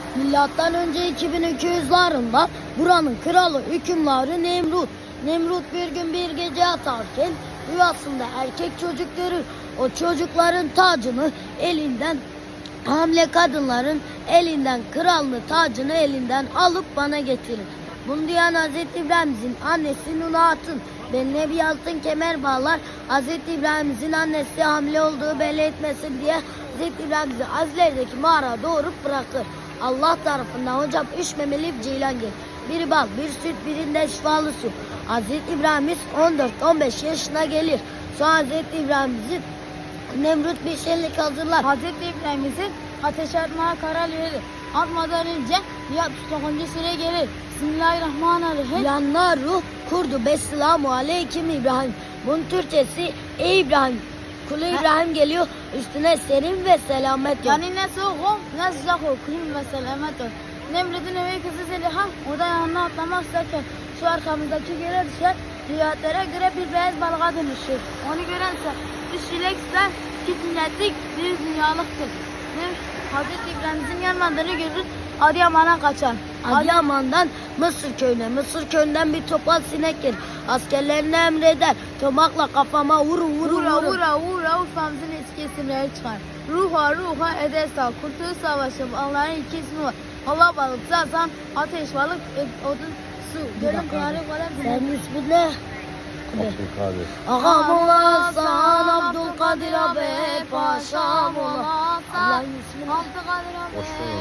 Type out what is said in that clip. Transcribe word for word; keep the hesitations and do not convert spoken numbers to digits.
Milattan önce iki bin iki yüzlerinde buranın kralı hükümdarı Nemrut. Nemrut bir gün bir gece yatarken rüyasında erkek çocuk görür. O çocukların tacını elinden, hamile kadınların elinden krallığı tacını elinden alıp bana getirir. Bunu diyen Hazreti İbrahim'in annesi Nuna Hatun beline bir altın kemer bağlar. Hazreti İbrahim'in annesi hamile olduğu belli etmesin diye Hazreti İbrahim'i Azler'deki mağara doğurup bırakır. Allah tarafından hocam üç memeli bir ceylan gelir. Biri bal, bir süt, birinde şifalı su. Hazreti İbrahim on dört on beş yaşına gelir. Sonra Hazreti İbrahim'in Nemrut bir şenlik hazırlar. Hazreti İbrahim'in ateş atmaya karar verir. Atmadan önce altmış dokuzuncu sure gelir. Bismillahirrahmanirrahim. Yanlar ruh kurdu. Besselamu aleyküm İbrahim. Bunun Türkçesi ey İbrahim. Kulu İbrahim geliyor. Üstüne serin ve selamet yok. Yani ne soğuk ne sıcak o. Kıyım ve selamet ol. Nemrut'un evi kızı Zeliha o da yanına atlamak isterken şu arkamızdaki göle düşer. Rivayetlerine göre bir beyaz balığa dönüşür. Onu görense üç çilek ister, iki sünnetlik, bir dünyalıktır. Bir Hazreti İbrahim'in yanmadığını görür, Adıyaman'a kaçar. Adıyaman'dan Mısır köyüne, Mısır köyünden bir topal sinek gelir. Askerlerine emreder. Tomakla kafama vurun vurun Vura vurun. vura vura Urfa'mızın eski isimleri çıkar. Ruha ruha Edesa, Kurtuluş Savaşı, Allah'ın iki ismi var. Hava balık, zaten ateş balık, odun, su. Gölün kıyarı kalem. Senin ismin ne? Abdülkadir. Ağam olasın Abdülkadir abi, paşam olasın. Allah'ın ismi ne? Abdülkadir abi. Hoş geldin.